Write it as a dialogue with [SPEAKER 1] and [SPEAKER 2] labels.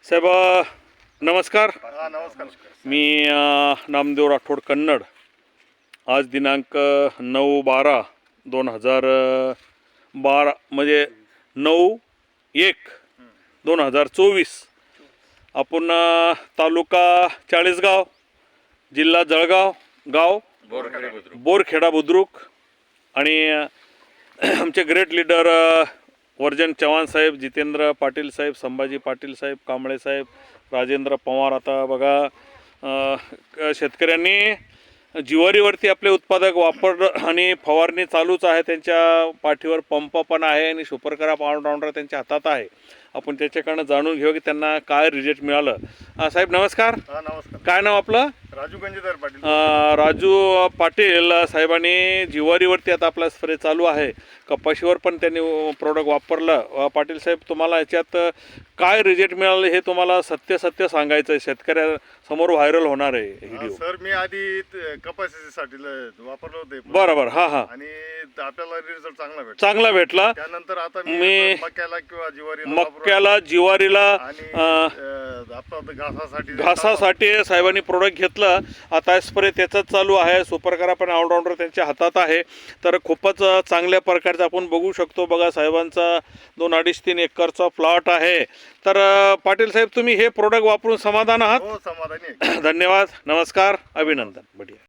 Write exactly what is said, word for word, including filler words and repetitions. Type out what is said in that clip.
[SPEAKER 1] साहेब अ, नमस्कार.
[SPEAKER 2] हा नमस्कार.
[SPEAKER 1] मी अ, नामदेव राठोड कन्नड. आज दिनांक नऊ बारा दोन हजार बारा म्हणजे नऊ एक दोन हजार चोवीस आपण अ, तालुका चाळीसगाव, जिल्हा जळगाव, गाव बोरखेडा बुद्रुक आणि अ, आमचे ग्रेट लीडर अ, वर्जन चव्हाण साहेब, जितेंद्र पाटील साहेब, संभाजी पाटील साहेब, कांबळे साहेब, राजेंद्र पवार. आता बघा अ, शेतकऱ्यांनी जिवारीवरती आपले उत्पादक वापर आणि फवारणी चालूच आहे. त्यांच्या पाठीवर पंप पण आहे आणि सुपर करा ऑलराऊंडर त्यांच्या हातात आहे. आपण त्याच्याकडनं जाणून घेऊ की त्यांना काय रिझल्ट मिळालं. अ, साहेब नमस्कार.
[SPEAKER 2] हा नमस्कार.
[SPEAKER 1] काय नाव आपलं?
[SPEAKER 2] राजू गंजेदार पाटील.
[SPEAKER 1] अ, राजू पाटील साहेबांनी जिवारीवरती आता आपला स्प्रे चालू आहे. कपाशीवर पण त्यांनी प्रोडक्ट वापरलं. अ, पाटील साहेब तुम्हाला याच्यात काय रिझल्ट मिळालं हे तुम्हाला सत्य सत्य सांगायचं आहे. शेतकऱ्यासमोर व्हायरल होणार आहे
[SPEAKER 2] हा,
[SPEAKER 1] व्हिडिओ.
[SPEAKER 2] सर मी आधी त- कपाशीसाठी ल- वापरलं होते
[SPEAKER 1] बरोबर. हां हां
[SPEAKER 2] आणि आपल्याला रिझल्ट चांगला भेटला.
[SPEAKER 1] चांगला भेटला.
[SPEAKER 2] त्यानंतर आता
[SPEAKER 1] मी-
[SPEAKER 2] मी मक्याला किंवा ज्वारीला वापरून
[SPEAKER 1] मक्याला जिवारीला
[SPEAKER 2] आणि
[SPEAKER 1] अ,
[SPEAKER 2] अ, आपलं आता घासासाठी
[SPEAKER 1] घासासाठी साहेबांनी प्रोडक्ट घेतलं. आता स्प्रे त्याचाच चालू आहे. सुपर करा पण ऑलराऊंडर त्यांच्या हातात आहे. तर खूपच चांगल्या प्रकारचं आपण बघू शकतो. बघा साहेबांचा दोन अडीच तीन एकरचा प्लॉट आहे. तर अ, पाटील साहेब तुम्ही हे प्रोडक्ट वापरून समाधान आहात?
[SPEAKER 2] हो समाधानी आहे.
[SPEAKER 1] धन्यवाद. नमस्कार. अभिनंदन. बढिया.